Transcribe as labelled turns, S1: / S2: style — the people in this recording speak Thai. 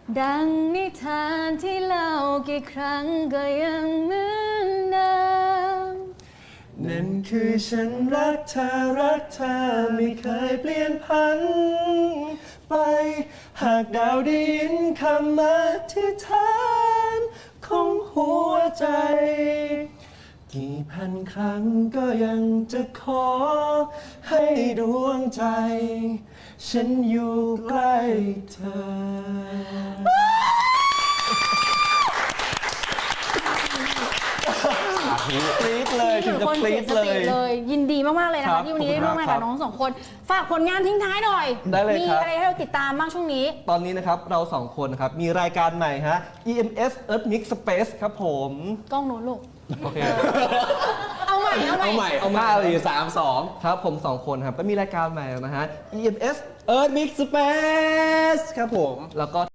S1: ดังนิทานที่เล่ากี่ครั้งก็ยังเหมือนเดิม
S2: นั่นคือฉันรักเธอไม่เคยเปลี่ยนพันไปหากดาวได้ยินคำอธิษฐานของหัวใจกี่พันครั้งก็ยังจะขอให้ดวงใจฉันอยู่ใกล้เธอกรี๊ดเลยถึงจะกรี๊ด
S1: เลยยินดีมากๆเลยนะคะที่วันนี้ได้ร่วมงานกับน้องสองคนฝากผลงานทิ้งท้ายหน่อย
S2: ได้เลยครับ
S1: มีอะไรให้เราติดตามบ้างช่วงนี้
S2: ตอนนี้นะครับเราสองคนนะครับมีรายการใหม่ฮะ EMS Earth Mix Space ครับผม
S1: กล้องโน้นลูก
S2: โอเค
S1: เอาใหม่
S3: เอา5 4 3 2
S2: ครับผม2คนครับก็มีรายการใหม่นะฮะ EMS Earth Mix Space ครับผมแล้วก็